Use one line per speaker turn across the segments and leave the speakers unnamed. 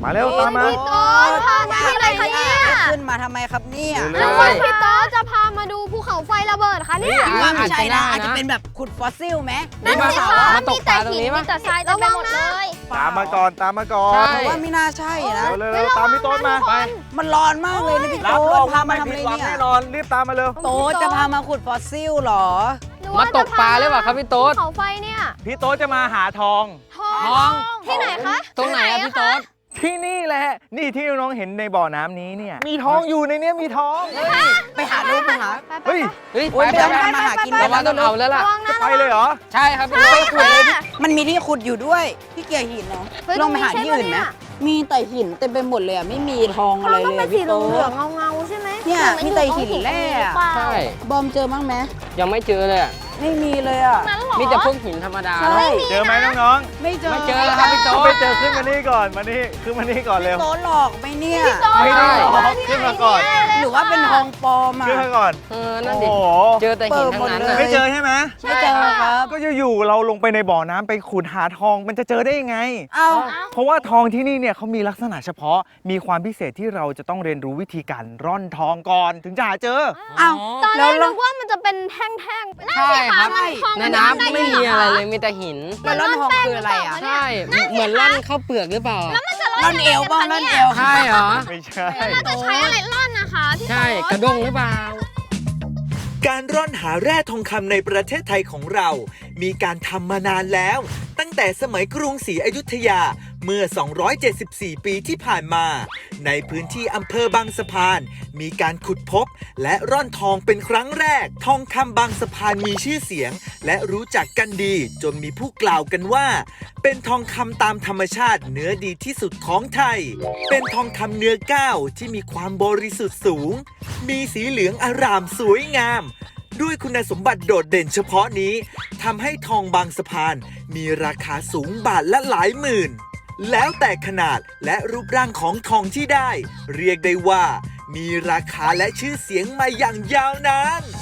มาเร็วตามมา
พี่โต๊ดพามาที่ไหนคะเนี่ย
ขึ้นมาทำไมครับเนี่ย
แล้วว่าพี่โต๊ดจะพามาดูภูเขาไฟระเบิดคะเนี่ย
ว่าไม่ใช่นะอาจจะเป็นแบบขุดฟอสซิลไหม
นั่นสิคะ
มาตกปลาตรงนี้มั้ย
มีแต่ทรายเต็มไปหมดเลย
ตามมาก่อนตามมาก่อน
ใช่
เพราะว่าไม่น่าใช่นะ
เร็วๆตามพี่โต๊ดมา
ไป
มันร้อนมากเลยนะพี่
รับ
โต๊
รอ
ด
ง
พา
ว่า
มา
ไม่
ทำอะไร
ผิดหวัง
เนี่ย
แน่นอนรีบตามมาเร็ว
โต๊ดจะพามาขุดฟอสซิลเหรอ
มาตกปลาหรือเปล่าครับพี่โต๊ด
ภูเขาไฟเนี่ย
พี่โต๊ดจะมาหาทอง
ทอง
ที่ไหนคะ
ตรงไหนอะพี่โต๊ด
ที่นี่แหละนี่ที่น้องเห็นในบ่อน้ำนี้เนี่ยมีทองอยู่ในเนี้ยมีทอง
ไปหาลูกไปหา
เฮ้ย
เฮ้ย
โอ๊ย
ไป
ไปทำมาหากิน
เราว่าต้องเอาแล้วล่ะ
ระวัง
จะ
นะ
ไปเลยเหรอ
ใช่ครับพี่
ใช่
โต๊ด
ค่ะ
มันมีที่ขุดอยู่ด้วยที่เกี่ยหินเนาะ
เฮ้ย
ลองไปหาที่อื่นไหม
ตรงนี้ใช่ปะเนี่ย
มีแต่หินเต็มไปหมดเลยอะไม่มีทองอะไร
ต้อง
เล
เป็
ย
นสี
พี่
เห
โต๊
ลือง
ด
เงาๆใช่ไหม
เนี่ยมีแต่หินแร่อะ
ใช่
บอมเจอบ้างไหม
ยังไม่เจอเลยอะ
ไม่มีเลยอ่ะ
นั้นเหรอ
มีแต่พวกหินธรรมดา
ใช่
เจอไหมน้อง
ไม่เจอ
ไม่เจอแล้วครับพี่
ๆ
โต๊
ต้อง
ด
ไปเจอขึ้นมานี่ก่อนมานี่ขึ้นมานี่ก่อนเร็ว
โต๊ดหลอกไหมเนี่ย
พี่โต๊ด
ไม่ได้หรอก
เจ
ขึ้นมาก่อน
หรือว่าเป็นทองปลอมอ่ะ
ขึ้นมาก่อน
นั่น
โอ้
ดิ
โห
เจอแต่หินทั้งนั้น
เปิดหมดเลย
ไม่เจอใช่ไหม
ไม่เจอครับ
ก็อยู่ๆเราลงไปในบ่อน้ำไปขุดหาทองมันจะเจอได้ยังไง
เอ้า
เพราะว่าทองที่นี่เนี่ยเขามีลักษณะเฉพาะ มีความพิเศษที่เราจะต้องเรียนรู้วิธีการร่อนทองก่อนถึงจะหาเจอ
เอ้า
ตอนแร
แล้ว
ก
เรา
นึกว่ามันจะเป็นแท่งๆ
ใช่ครับ
นั่นสิะมั
ใน
ทอง
น้ำไม่มีอะไรเลยมีแต่หิน
แล้วร่อนทองคืออะไรอ่ะ
ใช่เหมือนร่อนข้าวเปลือกหรือเปล่า
ร่อนเอวบ้างร่อนเอว
ใช่เหรอ
ไม่ใช่
น่าจะใช้อะไรร่อนนะคะพี่โต๊ด
ใช่กระด้งหรือเปล่า
การร่อนหาแร่ทองคำในประเทศไทยของเรา มีการทำมานานแล้ว ตั้งแต่สมัยกรุงศรีอยุธยาเมื่อ 274 ปีที่ผ่านมา ในพื้นที่อำเภอบางสะพาน มีการขุดพบ และร่อนทองเป็นครั้งแรก ทองคำบางสะพานมีชื่อเสียง และรู้จักกันดี จนมีผู้กล่าวกันว่า เป็นทองคำตามธรรมชาติเนื้อดีที่สุดของไทย เป็นทองคำเนื้อก้าวที่มีความบริสุทธิ์สูง มีสีเหลืองอร่ามสวยงาม ด้วยคุณสมบัติโดดเด่นเฉพาะนี้ทำให้ทองบางสะพานมีราคาสูงบาทละหลายหมื่น แล้วแต่ขนาดและรูปร่างของทองที่ได้ เรียกได้ว่า มีราคาและชื่อเสียงมาอย่างยาวนาน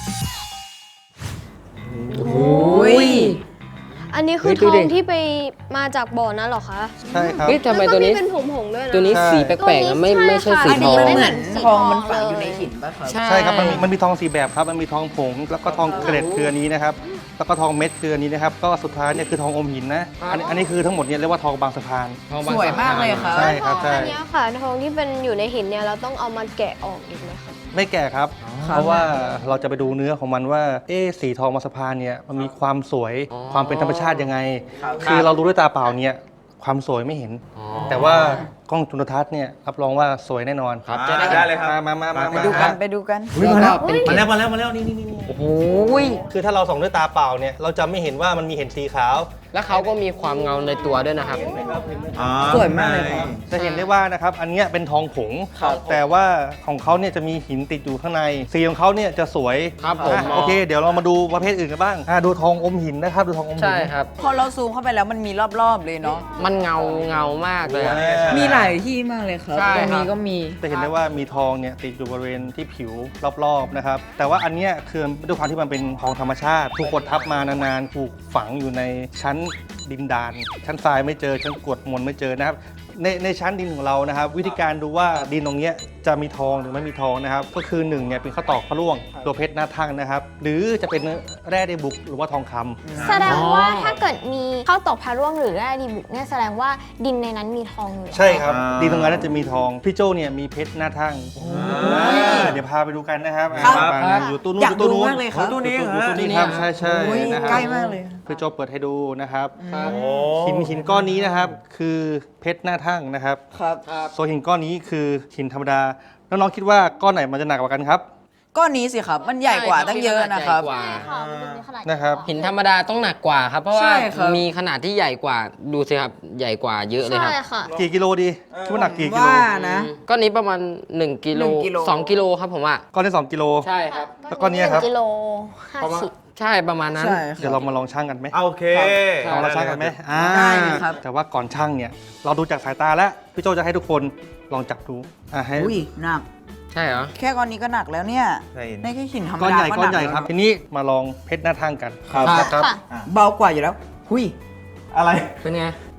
โอ้ย
อันนี้คือ
เฮ้ย
ท
ดู
อ
ดิ
งที่ไปมาจากบ่อนั้นเหรอคะ
ใช่ครับ
เฮ้ยทำไมตัวนี้
แล้ก็เป็นผงๆด้วยนะ
ตัวนี้
ใช่
สีแปลกๆอะไม่ใช่สี
อัน
ท
นี้
อง
มันเหมือน
สี
ทองมัน
ทอง
ฝังอยู่
เลย
ในหินป่ะครับ
ใช่ครับมันมีทองสีแบบครับมันมีทองผงแล้วก็ทองเกล็ดคืออันนี้นะครับแล้วก็ทองเม็ดคืออันนี้นะครับก็สุดท้ายเนี่ยคือทองอมหินนะอันนี้คือทั้งหมดเนี่ยเรียกว่าทองบางสะพาน
ทองบง
สวยมากเลยครับ
ใช่ครับใช่
อันเนี้ยค่ะทองที่เป็นอยู่ในหินเนี่ยเราต้องเอามาแกะออกอีกไหมคะ
ไม่แก่ครับ เพราะว่าเราจะไปดูเนื้อของมันว่าสีทองบางสะพานเนี่ยมันมีความสวยความเป็นธรรมชาติยังไง คือเราดูด้วยตาเปล่าเนี่ยความสวยไม่เห็น แต่ว่ากล้องจุลทรรศน์เนี่ยรับรองว่าสวยแน่นอน
ครับ
ได้เลยครับมา
ไปดูกันไปดูกัน
แล้วก็เป็น
มาแล้วนี่
โอ้โห
คือถ้าเราส่องด้วยตาเปล่าเนี่ยเราจะไม่เห็นว่ามันมีเห็นสีขาว
แล้วเขาก็มีความเงาในตัวด้วยนะครับ
สวยมากเลยครับ
จะเห็นได้ว่านะครับอันเนี้ยเป็นทองผง แต่ว่าของเขาเนี่ยจะมีหินติดอยู่ข้างในสีของเขาเนี่ยจะสวย
ครับผม
โอเค เดี๋ยวเรามาดูประเภทอื่นกันบ้างดูทองอมหินนะครับดูทองอมหิน
ใช่ครับ
พอเราซูมเข้าไปแล้วมันมีรอบๆเลยเนาะ
มันเงามากเลยอะ
มีหลายที่มากเลยครับ
ใช่
ตรง
ครั
นี้
บ
ก็มี
จะเห็นได้ว่ามีทองเนี่ยติดอยู่บริเวณที่ผิวรอบๆนะครับแต่ว่าอันเนี้ยคือด้วยความที่มันเป็นทองธรรมชาติถูกกดทับมานานๆถูกฝังอยู่ในชั้นดินดานชั้นทรายไม่เจอชั้นกรวดมวลไม่เจอนะครับในชั้นดินของเรานะครับ วิธีการดูว่าดินตรงเนี้ยจะมีทองหรือไม่มีทองนะครับก็คือ1เนี่ยเป็นข้าวตอกพระร่วงตัวเพชรหน้าทั่งนะครับหรือจะเป็นแร่ไดบุกหรือว่าทองคำ
แสดงว่าถ้าเกิดมีข้าวตอกพาร่วงหรือแร่ดีบุกเนี่ยแสดงว่าดินในนั้นมีทองอยู่
ใช่ครับดินตรงนั้นน่าจะมีทองพี่โจเนี่ยมีเพชรหน้าทั่งเดี๋ยวพาไปดูกันนะครับ
ครับ
อยู่ตู้นู้
อน ยาก
อยู่ตู้นู้น
ดูมากเลยครับ
ตู้นี้ครับใช่ใช่
โอ้ย
นะครับ
ใกล้มากเลย
พี่โจเปิดให้ดูนะครับ
ครับ
หินก้อนนี้นะครับคือเพชรหน้าทั่งนะครับ
ครับ
ส่วนหินก้อนนี้คือหินธรรมดาแล้วน้องคิดว่าก้อนไหนมันจะหนักกว่ากันครับ
ก้อนนี้สิครับ มันใหญ่กว่าตั้งเยอะนะครับ
ใหญ่กว่า
ค่ะมันดูมีขนาด
นะครับ
หินธรรมดาต้องหนักกว่าครับ เพราะว่า
ใช่ครับ
มีขนาดที่ใหญ่กว่าดูสิครับใหญ่กว่าเยอะเลยครับ
ใช่ค่ะ
กี่กิโลดีคิดว่าหนักกี่กิโล
ว่านะ
ก้อนนี้ประมาณ1กิโล
1กิโล
2กิโลครับผมว่า
ก้อนที่2กิโล
ใช่ครับ
แล้วก้อนเนี้ยครับ
1กิโล
ประมาณ
50
ใช่ประมาณนั้น
ใช่ค
เดี๋ยว
รั
เรา
บ
มาลองชั่งกันไหม
โอเค
ลองเราชั่งกันไหม
ได้เลยครับ
แต่ว่าก่อนชั่งเนี่ยเราดูจากสายตาแล้วพี่โจจะให้ทุกคนลองจับดูให้
อุ้ยหนัก
ใช่เหรอ
แค่ก้อนนี้ก็หนักแล้วเนี่ย
ใช่
ในแค่หินธรรม
ก้อน
ดา
ใหญ่
ก็
ก้อน
ห
ใหญ่
แล้ว
ครับ ทีนี้มาลองเพชรหน้าทั่งกัน
ครับ
นะครับ
ค่ะ
เบากว่าอยู่แล้วหุย
อะไร
เป็นไง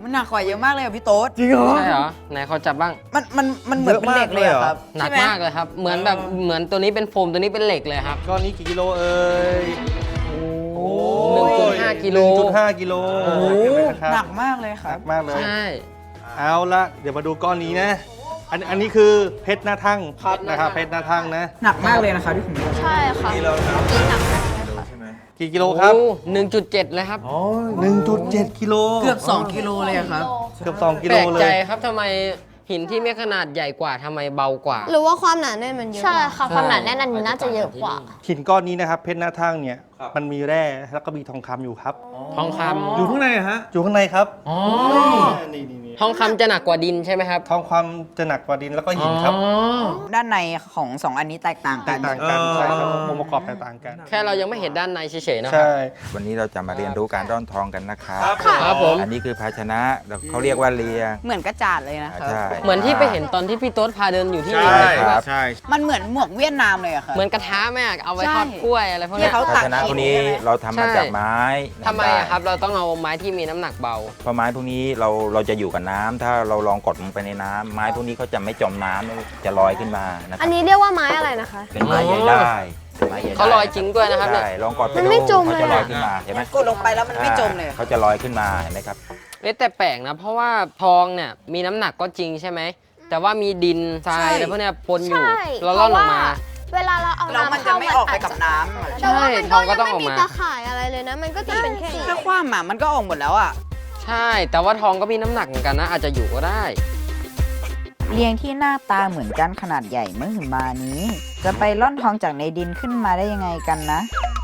มันหนักกว่าเยอะมากเลยอ่ะพี่โต๊ด
จริงเหรอ
ใช่เหรอไหนขอจับบ้าง
มันเหมือนเป็นเหล็กเลยอะครับ
หนัก
ใช่ไ
มากเลยครับ เหมือนแบบเหมือนตัวนี้เป็นโฟมตัวนี้เป็นเหล็กเลยครับ
ก้อนนี้กี่กิโลเอ่ยโอ้
1.5 กิโล
1.5 กิโล
โอ้โห
นะครับ
หนักมากเลยค
ห
รั
นั
บ
กมากเลย
ใช่
เอาละเดี๋ยวมาดูก้อนนี้นะ อันนี้คือเพชรหน้าทั่งนะครับเพชรหน้าทั่งนะ
หนักมากเลยนะคะที่ผมดู
ใช่ค่ะกินหนักมากเลยค่ะ
กี่กิโลครับ
โอ้1.7 เลยครับ
1.7 กิโล
เกือบ2 กิโลเลยอะครับ
เกือบ2 กิ
แป
โล
ลก
เล
ใจ
ย
ครับทำไมหินที่มีขนาดใหญ่กว่าทำไมเบากว่า
หรือว่าความหนาแน่นมันเยอะใช่ค่ะความหนาแน่นอันนี้น่าจะเยอะกว่า
หินก้อนนี้นะครับเพชรหน้าทั่งเนี่ยมันมีแร่แล้วก็มีทองคำอยู่ครับ
ทองค
อยู่ข้างในฮะอยู่ข้างในครับ
ำอ๋อ
นี่
ทองคำจะหนักกว่าดินใช่ไหมครับ
ทองคำจะหนักกว่าดินแล้วก็หินครับ
อ๋อ
ด้านในของ2 อันนี้แตกต่าง
แต
กั
ก
น
ต่างกันใช่ครับองค์ประกอบแตกต่างกัน
แค่เรายังไม่เห็นด้านในเฉยๆนะครั
ใช่
วันนี้เราจะมาเรียนรู้การร่อนทองกันนะครับ
ครับผม
อันนี้คือภาชนะเขาเรียกว่าเลียง
เหมือนกระจาดเลยนะครับ
ใช่
เหมือนที่ไปเห็นตอนที่พี่โต๊ดพาเดินอยู่ที่
ใช่ครับ
ใช่
มันเหมือนหมวกเวียดนามเลยอะครับ
เหมือนกระทะแม่เอาไว้
ใช่
ทอดกล้วยอะไรพวก
ที่
เนี้ย
เขา
ภาชนะพวกนี้เราทำมาจากไม้
ทำไมอะครับ เราต้องเอาไม้ที่มีน้ำหนักเบา
เพราะไม้พวกนี้เราจะอยู่กับน้ำถ้าเราลองกดลงไปในน้ำไม้พวกนี้เขาจะไม่จมน้ำจะลอยขึ้นมานะค
อั
รั
น
บ
นี้เรียกว่าไม้อะไรนะคะ
เป็นไม้ใหญ่ได้ไม้ใหญ่ได้
เขาลอยจริงด้วยนะครับเนี่ย
ใช่ลองกดไป
มัน
ดู
ไม่จม
เขาจะ
เลย
ล
อะ
อยขึ้นมาเห็นไหม
กดลงไปแล้วมันไม่จมเลย
เขาจะลอยขึ้นมาเห็นไหมครับ
แต่แปลกนะ เพราะว่าทองเนี่ยมีน้ำหนักก็จริงใช่ไหม แต่ว่ามีดินทรายอะไรพวกเนี้ยปนอยู่
ใช่
เราล่อนออกมา
เวลาเราเอา
แล้วมันจะไม่ออกไปกับน้ำ
แต่ว่ามัน
ใช่ทองก็ต้อง
ยัง
ออก
ไม่
มา
มีตะข่ายอะไรเลยนะ มันก็จะเป็นแค่นี้
ถ้าคว่ำอะมันก็ออกหมดแล้วอะ
ใช่ แต่ว่าทองก็มีน้ำหนักเหมือนกันนะ อาจจะอยู่ก็ได้
เลียงที่หน้าตาเหมือนกันขนาดใหญ่มหึมานี้ จะไปร่อนทองจากในดินขึ้นมาได้ยังไงกันนะ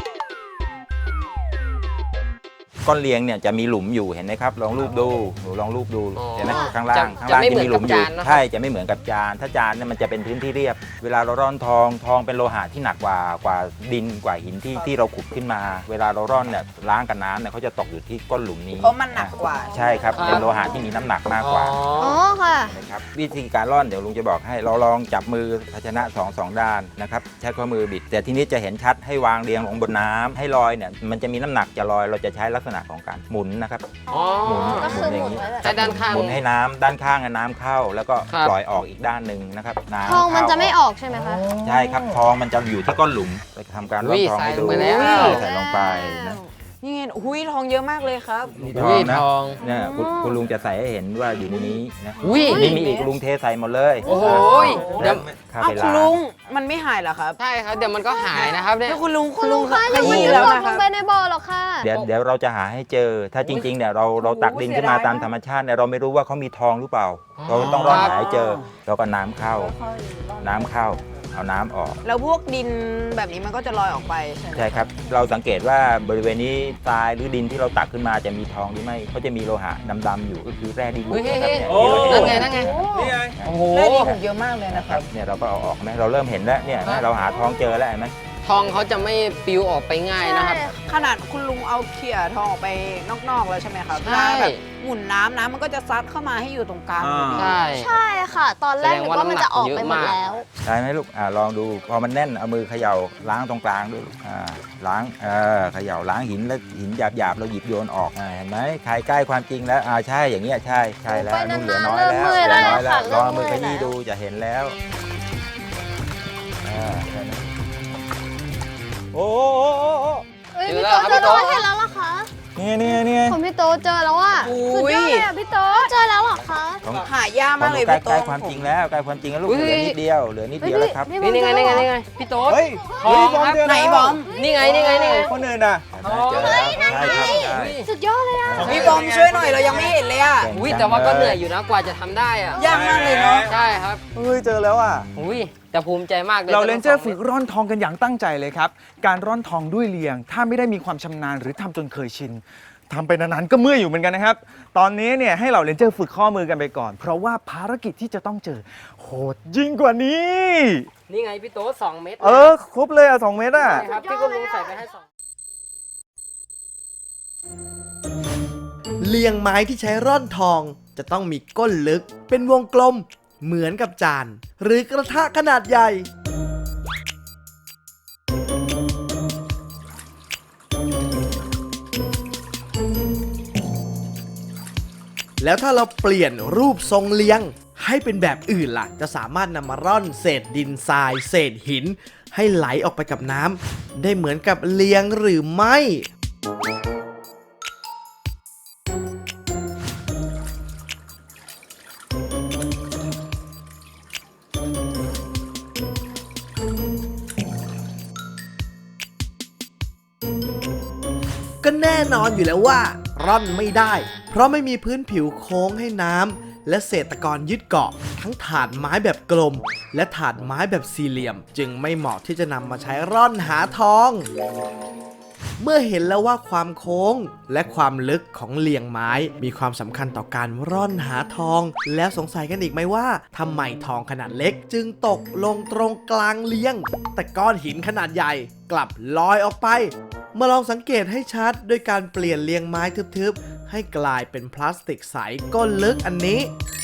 ก้อนเลียงเนี่ยจะมีหลุมอยู่เห็นไหมครับลองรูปดูหนูลองรูปดู
อ๋อ
เห็นไหมข้างล่าง
จะ
ข้างล่าง
จะไม่
จะมีหลุมอยู่
เหมือนกับจานนะครับ
ใช่จะไม่เหมือนกับจานถ้าจานเนี่ยมันจะเป็นพื้นที่เรียบ เวลาเราร่อนทองเป็นโลหะที่หนักกว่าดินกว่าหินที่เราขุดขึ้นมา เวลาเราร่อนเนี่ยล้างกับน้ำเนี่ยเขาจะตกอยู่ที่ก้นหลุมนี้
เพราะมันหนักกว่า
ใช่ครับเป็นโลหะที่มีน้ำหนักมากกว่า
อ๋อค่ะ
นะครับวิธีการร่อนเดี๋ยวลุงจะบอกให้เราลองจับมือภาชนะสองด้านนะครับใช้ข้อมือบิด แต่ทีนี้จะเห็นชัดให้วางเรียงลงบนน้ำให้ลอยเนี่ยมันจะมีน้ำหนักจะลอยเราจะใช้ลักษณะของการหมุนนะครับ
อ๋อ
หมุน
ก็คือ
อย่างนี้
หมุนไว้แบบ
ใช้ด้านข้าง
หมุนให้น้ำด้านข้างน้ำเข้า แล้วก็
ครับ
ปล่อยออกอีกด้านหนึ่งนะครับน้ำ
ทองมันจะไม่อ
เข้า
อกใช่ไหมคะ
ใช่ครับทองมันจะอยู่ที่ก้นหลุมเราจะทำการร่อนทองให้ดู
ใส่ลงไปแล้ว
ใส่ลงไปนะ
นี่ไงหุ้ยทองเยอะมากเลยครับ
นี่
อุ้ย
นะ
ทอง
เนี่ยคุณลุงจะใส่ให้เห็นว่าอยู่ในนี้นะ
อุ้ย
นี่มีอีกลุงเทใส่หมดเลย
โอ้โหเดี๋ยว
เข้า
เอ้า
ไป
คุณ
ล้าง
ลุงมันไม่หายเหรอครับ
ใช่ครับ เดี๋ยวมันก็หายนะครับเนี่ย
แล้วคุณลุง
คุณลุงคะ
ข
ยังไม่
ยี้
ได้
แล้ว
ลง
นะค
ล
รับ
งไปในบ่อหรอกค่ะ
เดี๋ยวเราจะหาให้เจอ ถ้าจริงๆเนี่ยเราตักดินขึ้นมาตามธรรมชาติเนี่ยเราไม่รู้ว่าเขามีทองหรือเปล่า เราต้องร่อนหาให้เจอเราก็น้ำเข้า เอาน้ำออก
แล้วพวกดินแบบนี้มันก็จะลอยออกไปใช่ไหม
ใช่ครับ เราสังเกตว่าบริเวณนี้ทรายหรือดินที่เราตักขึ้นมาจะมีทองหรือไม่เขาจะมีโลหะดำๆอยู่ก็คือแร่ดีบุก
เฮ้ย
นะครับ
เฮ้ย
เนี่ยที่เราเห็
นั่นไง โอ้โห
ได้ดีถูกเยอะมากเลยนะค
ค
รั
รับ บเนี่ยเราก็เอาออกไหมเราเริ่มเห็นแล้วเนี่ยนะเราหาทองเจอแล้วเห็นไหม
ทองเขาจะไม่ปลิวออกไปง่ายนะครับ
ขนาดคุณลุงเอาเขี่ยทองออกไปนอกๆแล้วใช่ไหมครับ
ใช่
เวลาแบบหมุนน้ำมันก็จะซัดเข้ามาให้อยู่ตรงกลางพอดี
ใช่
ใช่ค่ะ ตอนแรกนึกว่ามันจะออกไปหมดแล้ว
ได้ไหมลูกลองดูพอมันแน่นเอามือเขย่าล้างตรงกลางด้วยลูกล้างเขย่าล้างหินแล้วหินหยาบๆเราหยิบโยนออกเห็นไหมใครใกล้ความจริงแล้วใช่อย่างเงี้ยใช่แล้ว
ไป
นุ่นเหลื
นา
อน
ๆ
น้อยแล้ว
เริ่มเมื่อย
เหลือน้อย
แล้วค่ะ
ลองเอามือ
เริ่
ข
มเมื่อย
ยี้
แล้ว
ดูจะเห็นแล้วใช่ไหมโอ้
เอ้ย
เจ
พี่
อแล้ว
โต๊ะ
ครับ
เจอ
พี่โต๊ะ
แล้วเห็นแล้วเหรอคะ
เนี่ย
ผมพี่โต๊ะเจอแล้วอ่ะ
อุ้
สุด
ย
ยอดเลยอ่ะพี่โต๊ะเจอแล้วเหรอคะ
ของ
หายากมากเลย
ใกล้
พี่
ใก
โต๊ะ
ล้ความจริงแล้วใกล้ความจริงแล้วลูก
อุ้ย
เหลือนิดเดียวแล้วครับ
นี่ไงพี่โต๊ด
เฮ้ย
ทองครับ
ไหนบอม
นี่ไง
คนอื่นอ่ะ
เจอแล้วใช่ครับใช่
สุดยอดเลยอ่ะ
พี่บอมช่วยหน่อยเรายังไม่เห็นเลยอ่ะ
อุ้ยแต่ว่าก็เหนื่อยอยู่นะกว่าจะทำได้อะ
ยากมากเลยเนาะ
ใช่ครับ
เฮ้ยเจอแล้วอ่ะ
อุ้ยแต่ภูมิใจมากเลย
เราเลนเจอร์
ทั้งส
ฝึกร่อนทองกันอย่างตั้งใจเลยครับ การร่อนทองด้วยเลียง ถ้าไม่ได้มีความชำนาญหรือทำจนเคยชินทำไปนานๆก็เมื่อยอยู่เหมือนกันนะครับ ตอนนี้เนี่ยให้เราเลนเจอร์ฝึกข้อมือกันไปก่อน เพราะว่าภารกิจที่จะต้องเจอโหดยิ่งกว่านี้
นี่ไงพี่โต๊ด2 เม็ด
ครบเลยอ่ะ2 เมตรอ่ะ
ใช่ครับที่คุณลุงใส่ไปให้2
เลียงไม้ที่ใช้ร่อนทองจะต้องมีก้นลึกเป็นวงกลมเหมือนกับจาน หรือกระทะขนาดใหญ่แล้วถ้าเราเปลี่ยนรูปทรงเลียงให้เป็นแบบอื่นล่ะ จะสามารถนำมาร่อนเศษดินทราย เศษหิน ให้ไหลออกไปกับน้ำได้เหมือนกับเลียงหรือไม่ ก็แน่นอนอยู่แล้วว่าร่อนไม่ได้ เพราะไม่มีพื้นผิวโค้งให้น้ำและเศษตะกอนยึดเกาะ ทั้งถาดไม้แบบกลม และถาดไม้แบบสี่เหลี่ยม จึงไม่เหมาะที่จะนำมาใช้ร่อนหาทอง เมื่อเห็นแล้วว่าความโค้งและความลึกของเลียงไม้มีความสำคัญต่อการร่อนหาทอง แล้วสงสัยกันอีกไหมว่าทำไมทองขนาดเล็กจึงตกลงตรงกลางเลียง แต่ก้อนหินขนาดใหญ่กลับลอยออกไป มาลองสังเกตให้ชัดด้วยการเปลี่ยนเลียงไม้ทึบๆให้กลายเป็นพลาสติกใสก้นลึกอันนี้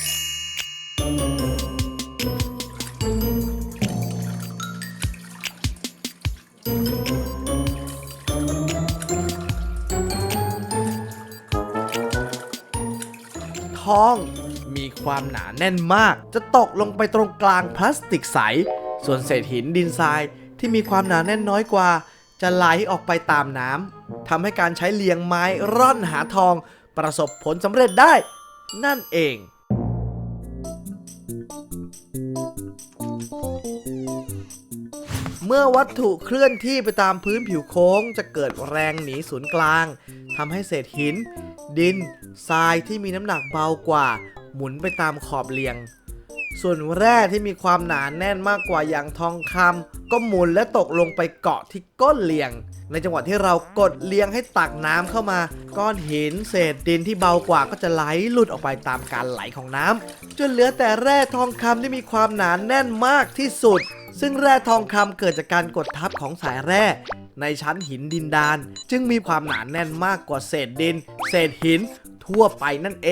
ทองมีความหนาแน่นมาก จะตกลงไปตรงกลางพลาสติกใส ส่วนเศษหินดินทรายที่มีความหนาแน่นน้อยกว่า จะไหลออกไปตามน้ำทำให้การใช้เลียงไม้ร่อนหาทองประสบผลสำเร็จได้ นั่นเอง เมื่อวัตถุเคลื่อนที่ไปตามพื้นผิวโค้งจะเกิดแรงหนีศูนย์กลางทำให้เศษหิน ดินทรายที่มีน้ำหนักเบากว่า หมุนไปตามขอบเลียง ส่วนแร่ที่มีความหนาแน่นมากกว่าอย่างทองคำก็หมุนและตกลงไปเกาะที่ก้นเลียง ในจังหวะที่เรากดเลียงให้ตักน้ำเข้ามา ก้อนหินเศษดินที่เบากว่าก็จะไหลหลุดออกไปตามการไหลของน้ำจนเหลือแต่แร่ทองคำที่มีความหนาแน่นมากที่สุด ซึ่งแร่ทองคำเกิดจากการกดทับของสายแร่ในชั้นหินดินดานจึงมีความหนาแน่นมากกว่าเศษดิน เศษหินทั่วไปนั่นเอง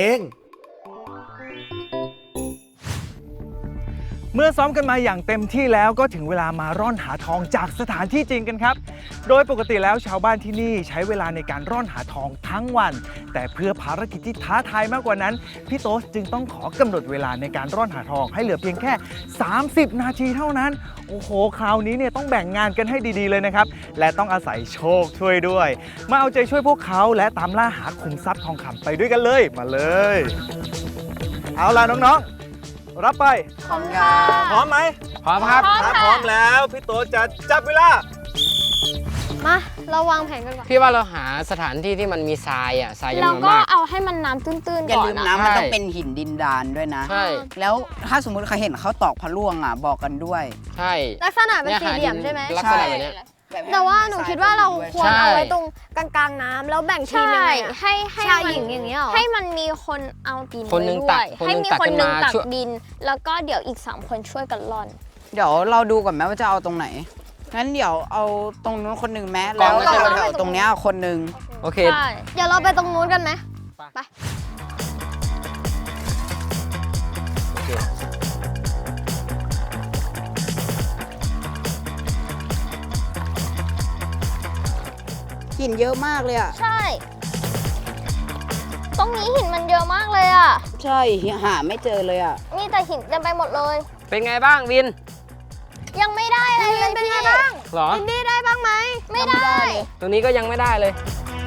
เมื่อซ้อมกันมาอย่างเต็มที่แล้วก็ถึงเวลามาร่อนหาทองจากสถานที่จริงกันครับ โดยปกติแล้วชาวบ้านที่นี่ใช้เวลาในการร่อนหาทองทั้งวัน แต่เพื่อภารกิจที่ท้าทายมากกว่านั้นพี่โต๊สจึงต้องขอกำหนดเวลาในการร่อนหาทองให้เหลือเพียงแค่ 30 นาทีเท่านั้น โอ้โหคราวนี้เนี่ยต้องแบ่งงานกันให้ดีๆเลยนะครับและต้องอาศัยโชคช่วยด้วยมาเอาใจช่วยพวกเขาและตามล่าหาขุมทรัพย์ทองคำไปด้วยกันเลยมาเลย เอาล่ะน้องๆรับไป
ขอบคุณค่ะ
พร้อมไหม
พร้อมครับ
ถ้าพร้อมแล้วพี่โตจะจับเวลา
มาเราวางแผนกันก่อน
พี่ว่าเราหาสถานที่ที่มันมีทรายอ่ะทรายจำน
เรา
วน
ก็
มาก
เอาให้มันน้ำตื้นๆ
อย่า
ก่อน
ลืม
นะ
นะมันต้อง
ใช่
เป็นหินดินดานด้วยนะ
ใช่
แล้วถ้าสมมุติใครเห็นเขาตอกพระล่วงอ่ะบอกกันด้วย
ใช่
ลักษณะเป็นสี่เหลี่ยมใช่ไหม
ลักษณะแบบเนี้ย
แต่ว่าหนูคิดว่าเราควร
ใช่
เอาไว้ตรงกลางๆน้ำแล้วแบ่งทีมยังไงอะให้ชายหญิงอย่างเงี้ยให้มันมีคนเอาดิน
คนหนึ่ง
ไว้
ตั
ด้
ก
วย
คน
ให้
หนึ่ง
มี
ตัก
คนหนึ่ง
ขึ้นมา
ตัก
ช่วย
ดิน แล้วก็เดี๋ยวอีก3คนช่วยกันร่อน
เดี๋ยวเราดูก่อนไหมว่าจะเอาตรงไหน งั้นเดี๋ยวเอาตรงนู้นคนหนึ่งแม้
กล่
แล้
อง
ว
ไม่ใช่
แถวๆตรงเนี้ยคนหนึ่ง
โอเค
ใช่ เดี๋ยวเราไปตรงนู้นกันไหมไป
หินเยอะมากเลยอ่ะ
ใช่ ตรงนี้หินมันเยอะมากเลยอ่ะ
ใช่หาไม่เจอเลยอ่ะ
มีแต่หินเต็มไปหมดเลย
เป็นไงบ้างวิน
ยังไม่ได้อะไรเลยเป็นไงบ้าง
หรอ
วินดี้ได้บ้างไหม ไม่ได้
ตรงนี้ก็ยังไม่ได้เลย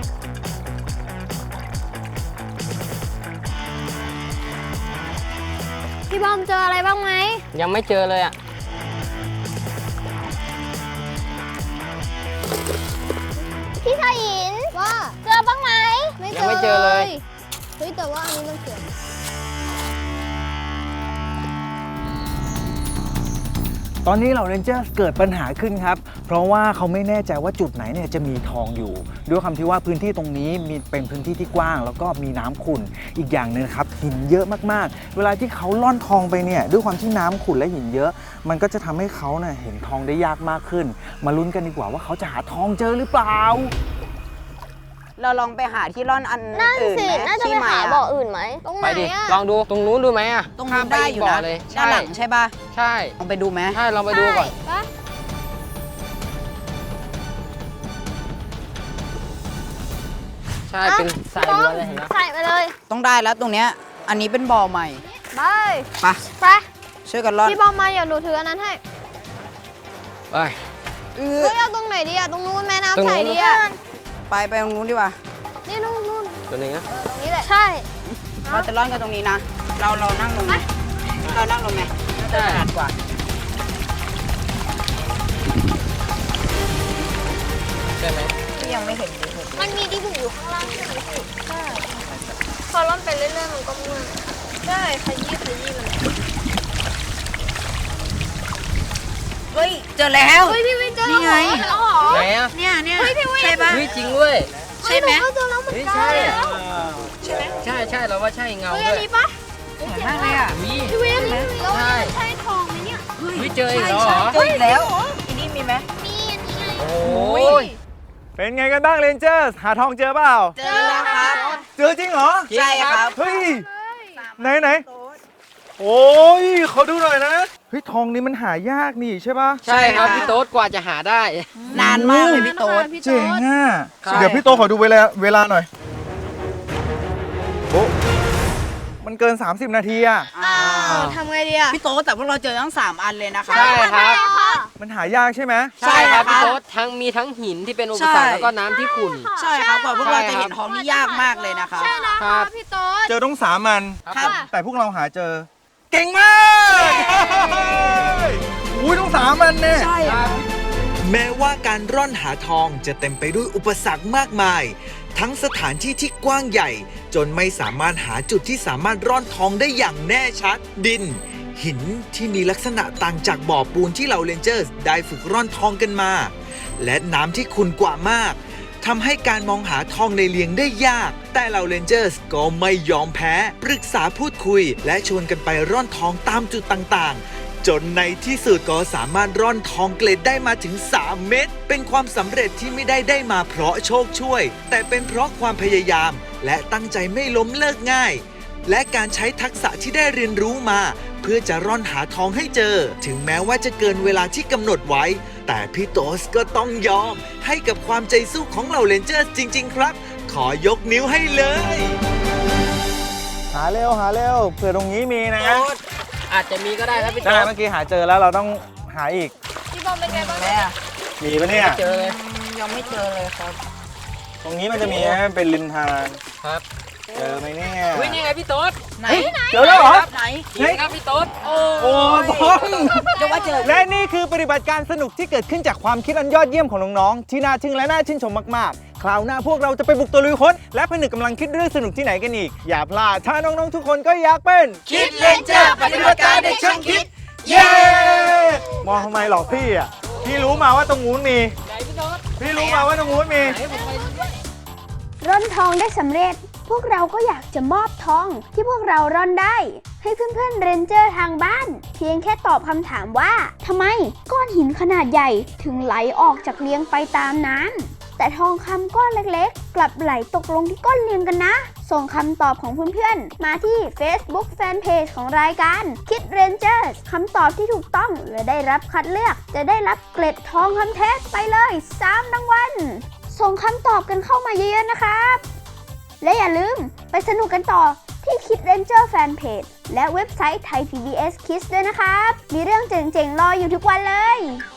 พี่บอมเจออะไรบ้างไหม
ยังไม่เจอเลยอ่ะ
พี่ชายหินว่าเจอบ้างไหม
ยังไม่เจอเลย
เฮ้ยแต่ว่าอันนี้มันเขียน
ตอนนี้เหล่าเรนเจอร์เกิดปัญหาขึ้นครับ เพราะว่าเขาไม่แน่ใจว่าจุดไหนเนี่ยจะมีทองอยู่ ด้วยคำที่ว่าพื้นที่ตรงนี้มีเป็นพื้นที่ที่กว้าง แล้วก็มีน้ำขุ่นอีกอย่างหนึงครับหินเยอะมากๆ เวลาที่เขาล่อนทองไปเนี่ยด้วยความที่น้ำขุ่นและหินเยอะ มันก็จะทำให้เขาเนี่ยเห็นทองได้ยากมากขึ้น มาลุ้นกันดีกว่าว่าเขาจะหาทองเจอหรือเปล่า
เราลองไปหาที่ร่อนอัน
นั่น
อื่น
สิ
ไหม
น่าจะ
ที่
ไป
ใหม่
หา
อะ
บ่ออื่นไหม ตรงไห
ไป
น
ดิ
อะ
ลองดูตรงนู้นดูไหมอ่ะ
ตรง
ข้า
นู้
ม
น
ไป
ได้
อีก
อยู่
บ่อ
นะ
เลย
ด้านหลังใช่ป่ะ
ใช่
ลองไปดูไหม
ใช่ลองไปดูก่อน
ปะ
ใช่เป็นทรายล้วนเลยเห็นไหม
ใส่ไปเลย
ต้องได้แล้วตรงเนี้ยอันนี้เป็นบ่อใหม่
ไป
ไป
ไป
ช่วยกันร่อน
พี่บอมมาเดี๋ยวหนูถืออันนั้นให้
ไป
เฮ้ยเอาตรงไหนดีอะตรงนู้นแม่
ตรง
น้ำ
นู้น
ใสดีอะ
ไปตรงนู้นดีกว่า
นี่นู่น
ตัวนี้นะ
ตรงนี้แหละ ใช่
เราจะร่อนกันตรงนี้นะ เรานั่งลงไหมเรานั่งลงไหมน่าจะถนัดกว่า
ใช่ไหม
ยังไม่เห็นเลย
มันมีดีบุกอยู่ข้างล่างใช่ไหมพี่ใช่พอร่อนไปเรื่อยๆมันก็เมื่อยใช่ขยี้มัน
เฮ้ย เจอแล้ว
เฮ้ยพี่วินเจอ
นี่ไง
แล้วเหรอ
ไหนอ่ะ
เนี่ย
เฮ้ยพี่วิน
ใช่ปะ
เฮ้ยจริงเว้ย
ใช่ไหม
เฮ้ยนูก็เจอแล้วเหมือน
เฮ้ย
กัน
ใช่
แล้ว
ใช่เราว่าใช่เงา
เฮ้ย
ด้
อั
วน ย
นี้ปะ
สวยมากเลยอ่ะ
วิ
พี่วินแล้ว
ใช่
ใช่ทองไหมเนี่ย
วิเจออีกแล้วเหรอ
เจออีกแล้วที่นี่มีไหม
มีอันนี้ไง
โอ้ย
เป็นไงกันบ้างเรนเจอร์หาทองเจอเปล่า
เจอแล้วครับ
เจอจริงเหรอ
ใช่ครับ
เฮ้ย ไหน โอ้ยเขาดูหน่อยนะ เฮ้ยทองนี้มันหายากนี่ใช่ปะ
ใช่ครับพี่โต๊ดกว่าจะหาได้
นานมากเลยพี่โต๊ด
เจ๋งอ่ะ
ครับ
เดี๋ยวพี่โตขอดูเวลาหน่อยโอ้มันเกิน 30 นาทีอ่ะ
ทำไงดีอะ
พี่โต๊ดแต่พวกเราเจอทั้ง 3 อันเลยนะคะ
ใช่ครับ
มันหายากใช่ไหม
ใช่ครับ
ใช่ครับ
พี่โต๊ดมีทั้งหินที่เป็นอุปสรรค
ใช่
แล้วก็น้ำที่ขุ่น
ใช่ครับกว่าพวกเรา
ใช่
จะ
ครับ
เห็นทองนี่ยากมากเลยนะคะ
ใช่นะ
ค
คะ
รับ
พี่โต๊ด
เจอต้อง3 มัน
ครับ
แต่พวกเราหาเจอ เก่งมาก อุ้ยต้อง3 มันเนี่ย
ใช่ครับ
แม้ว่าการร่อนหาทองจะเต็มไปด้วยอุปสรรคมากมาย ทั้งสถานที่ที่กว้างใหญ่ จนไม่สามารถหาจุดที่สามารถร่อนทองได้อย่างแน่ชัด ดิน หินที่มีลักษณะต่างจากบ่อปูนที่เหล่าเรนเจอร์สได้ฝึกร่อนทองกันมา และน้ำที่ขุ่นกว่ามากทำให้การมองหาทองในเลียงได้ยาก แต่เหล่าเรนเจอร์สก็ไม่ยอมแพ้ ปรึกษาพูดคุย และชวนกันไปร่อนทองตามจุดต่างๆ จนในที่สุดก็สามารถร่อนทองเกล็ดได้มาถึง 3 เม็ดเป็นความสำเร็จที่ไม่ได้มาเพราะโชคช่วย แต่เป็นเพราะความพยายาม และตั้งใจไม่ล้มเลิกง่าย และการใช้ทักษะที่ได้เรียนรู้มา เพื่อจะร่อนหาทองให้เจอ ถึงแม้ว่าจะเกินเวลาที่กำหนดไว้ แต่พี่โตสก็ต้องยอม ให้กับความใจสู้ของเหล่าเรนเจอร์จริง ๆ ครับ ขอยกนิ้วให้เลย
หาเร็วเผื่อตรงนี้มีนะ
โต๊ดอาจจะมีก็ได้ครับพี่
ใช่
โต๊ด
เมื่อกี้หาเจอแล้วเราต้องหาอีก
พี่บอมเป็นไงบ้าง
แม่
มีปะเนี่ย
เจอเลย
ยังไม่เจอเลยครับ
ตรงนี้มันจะมีนะเป็นริมทาง
ครับ
เจอไหมเนี่ย
วินี่ไงพี่โต๊ด
ไหน
เจอแล้วเหรอ
ไหน
หินครับพี่โต๊ดโอ้
โอ้บอล
จะว่าเจอ
และนี่คือปฏิบัติการสนุกที่เกิดขึ้นจากความคิดอันยอดเยี่ยมของน้องๆ ที่น่าทึ่งและน่าชื่นชมมากๆ คราวหน้าพวกเราจะไปบุกตะลุยค้น และผนึกกำลังคิดเรื่องสนุกที่ไหนกันอีก อย่าพลาด ถ้าน้องๆ ทุกคนก็อยากเป็น
คิดเรนเจอร์ปฏิบัติการเด็กช่างคิด
เย้ มองทำไมหรอกพี่อ่ะ พี่รู้มาว่าตรงนู้นมี
ไหนพี่โต๊ด
พี่รู้มาว่าตรงนู้นมี
ไหนผมไปดูด้วย
ร่อนทองได้สำเร็จ พวกเราก็อยากจะมอบทองที่พวกเราร่อนได้ ให้เพื่อนๆเรนเจอร์ทางบ้าน เพียงแค่ตอบคำถามว่าทำไมก้อนหินขนาดใหญ่ถึงไหลออกจากเลียงไปตามน้ำแต่ทองคำก้อนเล็กๆ กลับไหลตกลงที่ก้อนเลียงกันนะ ส่งคำตอบของเพื่อนๆมาที่ Facebook Fanpage ของรายการคิดเรนเจอร์คำตอบที่ถูกต้องและได้รับคัดเลือกจะได้รับเกล็ดทองคำแท้ไปเลย3รางวัลส่งคำตอบกันเข้ามาเยอะๆนะครับ และอย่าลืมไปสนุกกันต่อที่คิดเรนเจอร์แฟนเพจและเว็บไซต์ไทย PBS Kids ด้วยนะครับ มีเรื่องเจ๋งๆ รออยู่ทุกวันเลย